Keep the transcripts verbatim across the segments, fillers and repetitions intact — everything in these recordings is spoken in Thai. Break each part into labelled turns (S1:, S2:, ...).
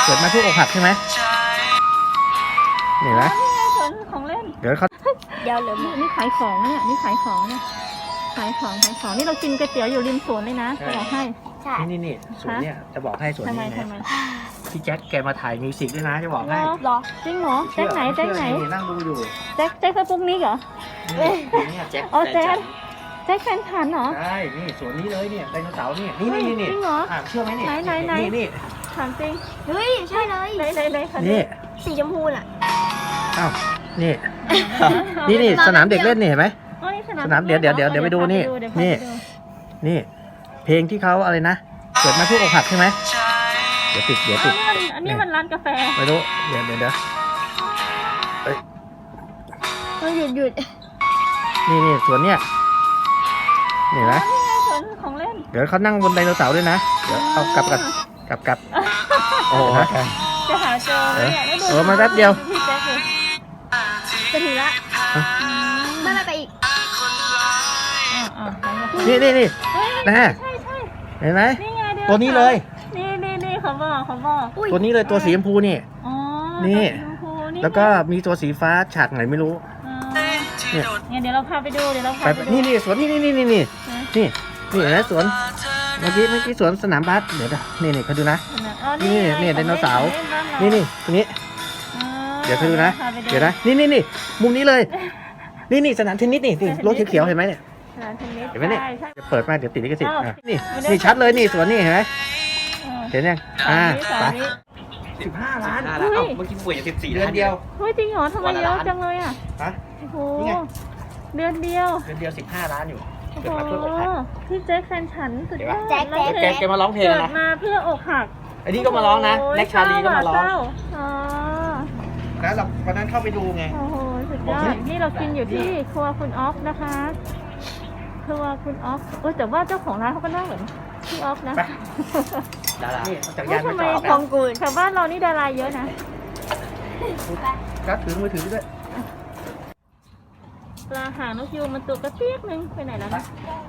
S1: เกิดมาทุกอกหักใช่ไหมเห็นไหม
S2: นี่ไงสวนของเล่น
S1: เดี๋ยวเขา
S2: เดี๋ยวเหลือนี่ขายของเนี่ยนี่ขายของเนี่ยขายของขายของนี่เรากินก๋วยเตี๋ยวอยู่ริมสวนเลยนะจะบอกให้
S1: นี่นี่นี่สวนเนี่ยจะบอกให้สวน
S2: ทำไม
S1: นี้
S2: ทำไม
S1: นะพี่แจ็คแกมาถ่ายมิวสิกด้วยนะจะบอกให้
S2: หรอจริงเหรอแจ็คไหนแจ็คไหน
S1: นี่นั่งดูอยู่
S2: แจ็คแจ็คสปุกนิกเหรอ
S1: เนี่ยแจ็ค
S2: อ๋อแจ็คแจ็คแฟนฉันเหรอ
S1: ใช่นี่สวนนี้เลยเนี่ยไดโนเสาร์เนี่ยนี่นี่นี่นี่
S2: จริงเหรอ
S1: อ่าเชื่อไหมเนี่ย
S2: ไหนไหนไหน
S1: นี่นี่
S2: ถามจริง
S3: เฮ้ยใช่เลย
S2: ไหนไหนไหนค่ะ
S1: นี่
S3: สีชมพูน่ะ
S1: อ้าวนี่นี่นี่สนามเด็กเล่นนี่เห็นไหม
S2: อ๋อนี่
S1: สนามเดี๋ยวเดี๋ยวเดี๋ยวเดี๋ยวไปดูนี่นี่ นี่เพลงที่เขาอะไรนะเกิดมาทุกอกหักใช่ไหมเดี๋ยวติดเดี๋ยว
S2: อ๋
S1: ติ
S2: อ
S1: ด
S2: นี่มันอันนี้มันร้านกาแฟ
S1: ไม่รู้เดี๋ยวเดี๋ยวเดี๋ยว
S3: เฮ้ยหยุดหยุด
S1: นี่นี่สวนเนี่ยเห็นไหม
S2: นี่ไงสวนของเล่น
S1: เดี๋ยวเขานั่งบนไดโนเสาร์ด้วยนะเดี๋ยวเอากลับกันกลับกลับโอ้โห
S2: จะหาเจอไหมเนี่ยได้ดู
S1: เออมาแป๊บเดียว
S2: พี่แจ็คเลย
S3: จะถึงละไม่ไม่ไปอีก
S2: อ่าอ่าไหนบอก
S1: นี่นี่นี่
S2: เฮ้ย
S1: นะ
S2: ใช่ใช่
S1: เห็นไหม
S2: นี่ไงเดี๋ยว
S1: ตัวนี้เลย
S2: นี่นี่นี่เขาบอกเขาบอก
S1: ตัวนี้เลยตัวสีชมพูนี่
S2: อ๋อ
S1: นี่
S2: ตัวสีชมพูนี่
S1: แล้วก็มีตัวสีฟ้าฉากไหนไม่รู้
S2: อ๋อ
S1: เนี่ย
S2: เนี่ยเดี๋ยวเราพาไปดูเดี๋ยวเรา
S1: ไป
S2: พาไปดู
S1: นี่นี่สวนนี่นี่นี่นี่นี่นี่นี่เห็นไหมสวนเมื่อกี้เมื่อกี้สวนสนามบาสเดี๋ยวนะนี่นี่เขาดูนะ
S2: อ๋อ
S1: นี่
S2: ไง
S1: นี่ไดโนเสาร์
S2: ของล่บ้า
S1: นี่
S2: เรา
S1: นี่ตรงนี้
S2: อ๋อ
S1: เดี๋ยวเขาดูนะ
S2: พาไป
S1: เดี๋ยวนะนี่นี่นี่มุมนี้เลย นี่นี่สนามเทนนิสนี่นี่รถเขียวๆเห็นไหมเนี่ย
S2: สนามเทนนิส
S1: เห็นไหมเนี่ย
S2: ใช่ใช่
S1: จะเปิดมาเดี๋ยวติดลิขสิทธิ์
S2: อ้าว
S1: อ่ะนี่
S2: ไม่ได้
S1: นี่ชัดเลยนี่สวนนี่เห็นไหม
S2: เออ
S1: เห็นยังอ่า
S2: สาม
S1: ไป
S2: วิ
S1: สิบห้าล้าน
S2: เฮ้ย
S4: เมื่อกี้ป่วยสิบสี่
S1: เดือนเดียว
S2: เฮ้ยจริงเหรอทำไมเยอะจังเลยอ่ะ
S1: ฮะ
S2: โอ้โห
S1: นี่ไง
S2: เดือนเดียว
S1: เดือนเดียวสิบห้าล้านอยู่
S2: โอ้
S1: เกิด
S2: โห
S1: มาเพื่ออกหัก
S2: พี่แจ็คแฟนฉันสุดยอด
S3: แจ็คแจ็ค
S1: แกแกมาร้องเพลง
S2: เกิด
S1: นะ
S2: มาเพื่ออกหัก
S1: อันนี้ก็มาร้องนะ
S2: โโห
S1: แน็กชาลีก็มาร้อง
S2: เศะอ๋อ
S1: แล้วเราวันนั้นเข้าไปดูไง
S2: โอ้โหสุดยอดนี่เรากินอยู่ที่ครัวคุณออฟนะคะครัวคุณออฟเออแต่ว่าเจ้าของร้านเขาก็น่าเหมือนพี่ออฟนะ
S1: ไป ดารานี่จักรยาน
S2: ทำ
S1: มา
S2: ไม
S1: จอด
S3: ทองกูล
S2: แถวบ้านเรานี่ดาราเยอะนะ
S1: ก็ถือมือถือด้วย
S2: ปลาหางนกยูงมันตัวกระเปียกนึงไปไหนแล้วนะ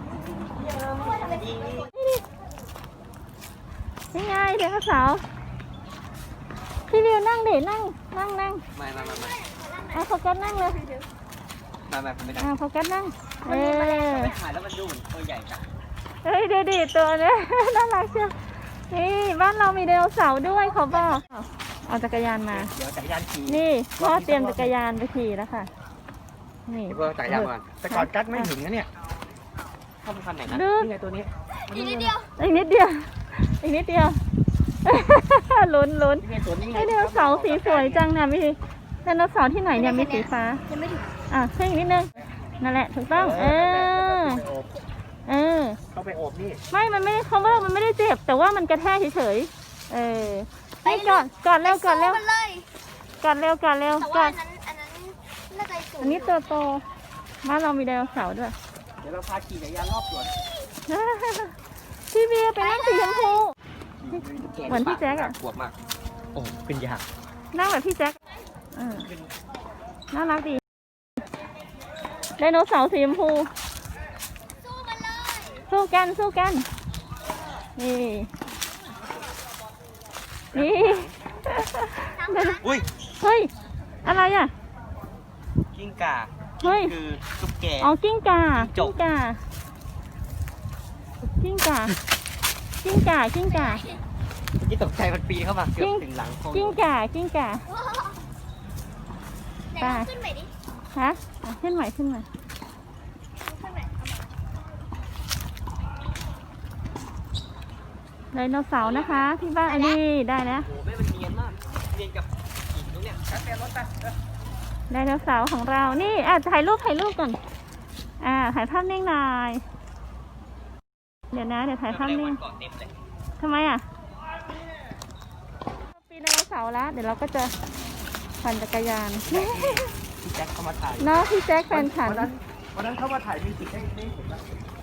S2: นี่ไงเด็กสาวพี่วิวนั่งเด็นั่งนั่งนั่ง
S4: ไม่ไม่ไม่ไม่
S2: อ่ะโฟกัสนั่งเลย
S4: ไม่ไม่ผมไม่ได้
S2: อ่ะโฟกัสนั่งเออ
S4: ไม่ถ่ายแล้วมันดูเหมือนตัวใหญ่จัง
S2: เฮ้ยดูดิตัวเนี้ย น่ารักเชียวนี่บ้านเรามีไดโนเสาร์ด้วยเขาบอกเอาจักรยานมา
S1: เดี๋ยวจักรยานขี่
S2: นี่พ่อเตรียมจักรยานไปขี่แล้วค่ะนี่
S4: เพื่อจ่ายยาก่อน
S1: แต่ก่อนกัดไม่ถึงนะเนี่ย
S4: เข้าไปคันไหนนะ
S2: ดู
S1: นี่ไงตัวนี้
S3: อีกนิดเดียว
S2: อีกนิดเดียวอีกนิดเดียว ลุ้นลุ้น
S1: นี่ไงตัวนี้ไง
S2: ไอไดโนเสาร์สีสวยจังเนี่ยมีไดโนเสาร์ที่ไหนเนี่ยมีสีฟ้า
S3: ยังไม่ถึง
S2: อ่ะขึ้นอีกนิดนึงนั่นแหละถูกต้องเออเออ
S1: เข้าไปโอบนี่
S2: ไม่มันไม่เขาว่ามันไม่ได้เจ็บ แต่ว่ามันกระแทกเฉยๆเออไปก่อนก่อนเร็วก่อนเร็ว
S3: มันเลย
S2: ก่อนเร็วก่อนเร็ว
S3: แต่
S2: ก่
S3: ว่า
S2: อน
S3: อันนั้นอันนั้นน่าจะสูง
S2: อันนี้ตัวโตบ้านเรามีไดโนเสาร์ด้วย
S1: เดี๋ยวเราพาขี่จักรยานรอบสวน
S2: พี่เบียร์ไปนั่งสีชมพู เหมือนพี่แจ๊คอะ
S4: ปวดมาก
S1: โอ้เป็นยาก
S2: นั่งแบบพี่แจ็คเออน่ารักดีไดโนเสาร์สีชมพู
S3: สู้มันเลย
S2: สู้กันสู้กัน นี่ นี่
S4: อุ้ย
S2: เฮ้ย อะไรอ่ะ
S4: กิ้งก่า
S2: เฮ้ย
S4: คือตุ๊กแก
S2: อ๋อ กิ้งก่า
S4: จ
S2: กิ้
S4: บ
S2: งก่า กิ้งก่า กิ้งก่า กิ้งก่า
S4: ที่ตกใจมันปีนเข้ามาเกือบถึงหลังโค้ง
S2: กิ้งก่า กิ้งก่า
S3: ไหนลองขึ้นไปดิ
S2: ฮะอ่ะขึ้นใหม่ขึ้นใหม่
S3: ขึ้นไป
S2: ไดโนเสาร์นะคะ ที่บ้านอันนี้ได้แล้ว
S4: โอ้โหแม่มันเนียนมากเนียนกับหินตรงเนี้ยชัดเจนรถไป
S2: ไดโนเสาร์ของเรา นี่อ่ะถ่ายรูปถ่ายรูปก่อน อ่า ถ่ายภาพนิ่งหน่อย เดี๋ยวนะ เดี๋ยวถ่ายภาพนิ่ง
S4: ก่อนเต็มเลย
S2: ทำไมอ่ะปีนไดโนเสาร์แล้ว เดี๋ยวเราก็จะปั่นจักรยาน
S1: พี่แจ็คเข้ามาถ่าย
S2: เนาะพี่แจ็คแฟนฉัน
S1: วันนั้นวันนั้นเขามาถ่ายมิวสิกให้ได้เห็นแล้ว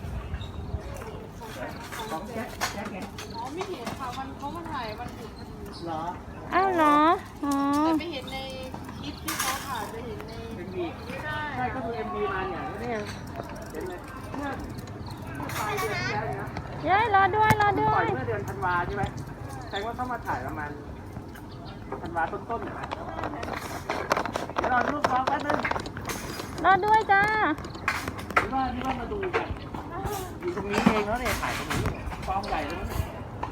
S1: ของแจ็คแจ็คไงอ๋อไม่เห็นค่ะวันเขามาถ่ายวันหยุดเหรอ
S2: อ้าวเหรอ อ๋อ
S5: ไม่เห็นในคลิปที่เขาถ่ายจะเห็นใน
S1: เอ็มวีใช่ก็ดูเอ็มวีมาเนี่ยแล้วเนี่ยเห็นไหมเมื่อปลายเดือนที่แล้วเนี่ยนะ
S2: เย้ยรอด้วยรอด้
S1: ป
S2: ว
S1: ล่อย
S2: ย
S1: เมื่อเดือนธันวาใช่ไหมแสดงว่าเขามาถ่ายประมาณธันวาต้นๆหน่อยนะเดี๋ยวรอลูกน้องแป๊บนึง
S2: รอด้วยจ้า
S1: นี่ว่านี่ว่ามาดูกันอยู่ตรงนี้เองแล้วเนี่ยถ่ายตรงนี้กองใหญ่เลยนะ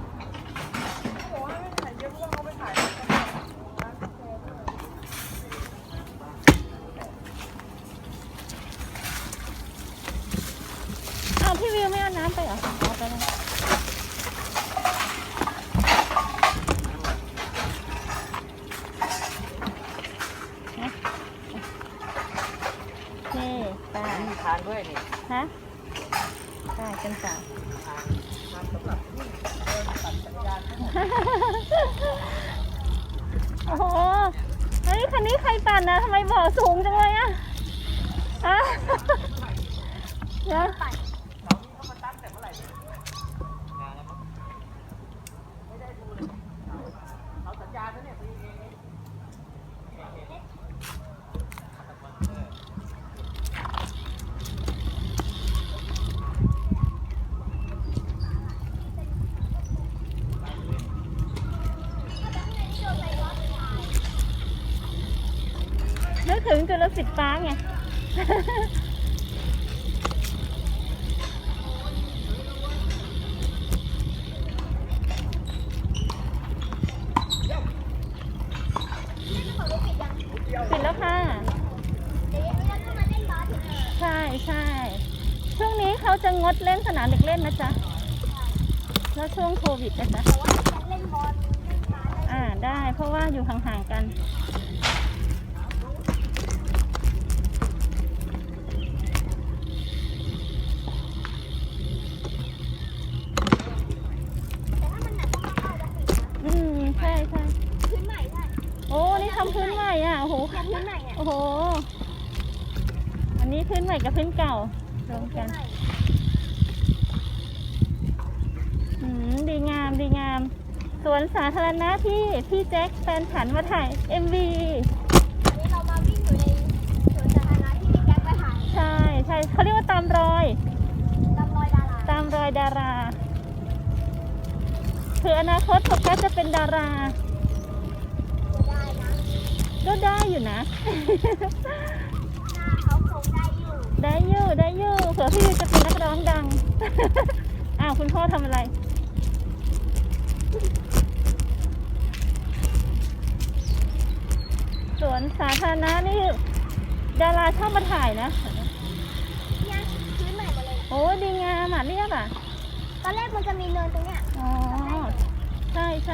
S2: อ้าวพี่วิวไม่เอาน้ำไปเหรอเอาไปเลยนี่ไป
S4: มีทานด้วยนี่
S2: ฮะไปกันต่อ
S4: ทานสำหรับวิ่งเดินปั่นจักรยาน
S2: โอ้โห เฮ้ย คันนี้ใครปั่นนะทำไมบ่อสูงจังเลยอะอะเดี๋ยวนึกถึงจุลศิษย์ฟ้าไง ปิดแล้วค่ะ ใช่ใช่ช่วงนี้เขาจะงดเล่นสนามเด็กเล่นนะจ๊ะ แล้วช่วงโควิดนะจ๊ะ อ่าได้เพราะว่าอยู่ห่างๆกัน อืมใช่ใช่โอ้ นี่ทำพื้นใหม่อ่ะ โอ้โห โอ้โห อันนี้พื้นใหม่กับพื้นเก่ารวมกัน อืม ดีงาม ดีงาม สวนสาธารณะที่พี่แจ็คแฟนฉันมาถ่าย เอ็ม วี ใช่ใช่เขาเรียกว่าตามรอย ตามรอยดาราคืออนาคตโฟกัสจะเป็นดารา ก็ได้อยู่นะ ได้อยู่ ได้อยู่เผื่อพี่จะเป็นนักร้องดัง อ้าวคุณพ่อทำอะไร สวนสาธารณะนี่ดาราชอบมาถ่ายนะ โอ้ดีงามอ่ะเรียบอ่ะ
S3: ตอนแรกมันจะมีเนินตรงเนี้ย
S2: อ๋อ ใช่ใช่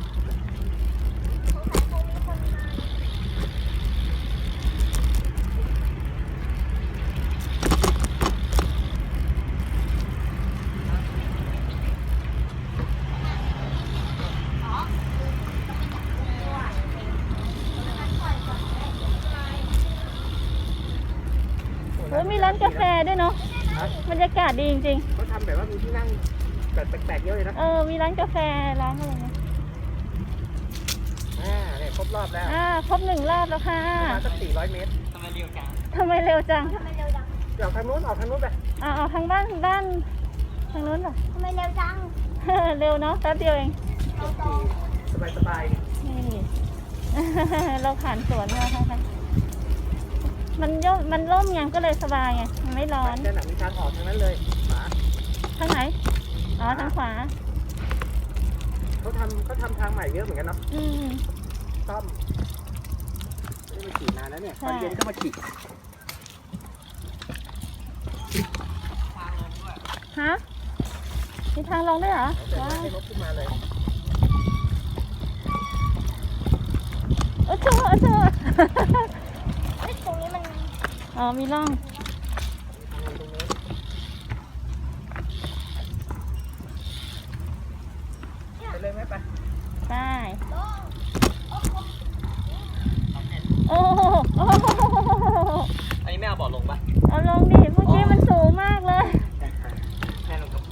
S2: โอ้ยมีร้านกาแฟด้วยเนาะบรรยากาศดีจริง
S1: เขาทำแบบว่ามีที่นั่งแบบแปลกๆเยอะเลยนะ
S2: ๆ เออ มีร้านกาแฟ ร้านอะไรเนี่ย
S1: อ่าเนี่ยครบรอบแล้ว
S2: อ่า ครบหนึ่งรอบแล้วค่ะ
S1: ประมาณสักสี่ร้อยเมตร
S4: ทำไมเร็วจัง
S2: ทำไมเร็วจัง
S3: ทำไมเร็วจัง
S1: เดี๋ยวทางนู้นออกทางนู้นไป
S2: อ่าเอาทางบ้านด้านทางนู้นเหรอ
S3: ทำไมเร็วจัง
S2: เร็วเนาะแป๊บเดียวเอง
S1: สบายสบายๆ
S2: นี่ เราผ่านสวนมาค่ะมันย่มมันร่มไงก็เลยสบายไง มันไม่ร้อน
S1: เจ้าหนังมีทางออกทางนั้นเลยขวา
S2: ทางไหน อ๋อ ทางขวา
S1: เขาทำเขาทำทางใหม่เยอะเหมือนกันเนาะ
S2: อืม
S1: ซ่อมไม่ได้มาขี่นานแล้วเนี่ย
S2: ใช่
S1: ตอนเย็นก็มาขี่
S2: ฮะ มีทางลงด้วยเหรอ
S1: เดี๋ยว
S2: ว้าว
S1: ให้รถขึ้นมาเลย
S2: โอ้โหโอ้โห
S3: เฮ้ยตรงนี้มัน
S2: อ๋อ มีร่อง
S1: ไปเลยไหมไป
S2: ใช่โอ้โหโอ้โห
S4: อันนี้ไม่เอาเบาะลงปะ
S2: เอาลงดิ เมื่อกี้มันสูงมากเลย
S4: แม่ลงกับไม้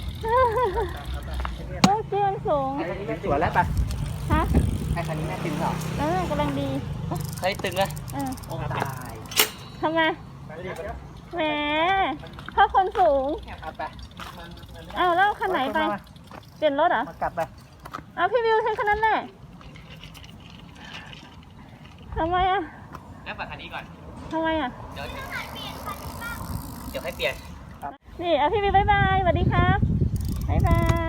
S2: เมื่อกี้มันสูง
S1: ไอ้คันนี้แม่สวนแล้วปะ
S2: ฮะ
S1: ไอ้คันนี้แม่ตึงเหรอ
S2: เออกำลังดี
S4: เฮ้ยตึงเลย
S2: เออ
S4: โอ้ตาย
S2: ทำไม
S1: ไปเดี๋ยวเดี๋ยว
S2: แหมเพราะคนสูง
S1: เอาไป
S2: อ้าวแล้วคันไหนไป เปลี่ยนรถเหรอ
S1: มากลับไป
S2: เอาพี่วิวใช้คันนั้นแหละทำไมอ่ะ
S4: นั่งฝั่งคันนี้ก่อน
S2: ทำไมอ่ะ
S4: เดี๋ยวเดี๋ยวให้เปลี่ยน
S2: นี่อ่ะพี่บีบ๊ายบายสวัสดีครับบ๊ายบาย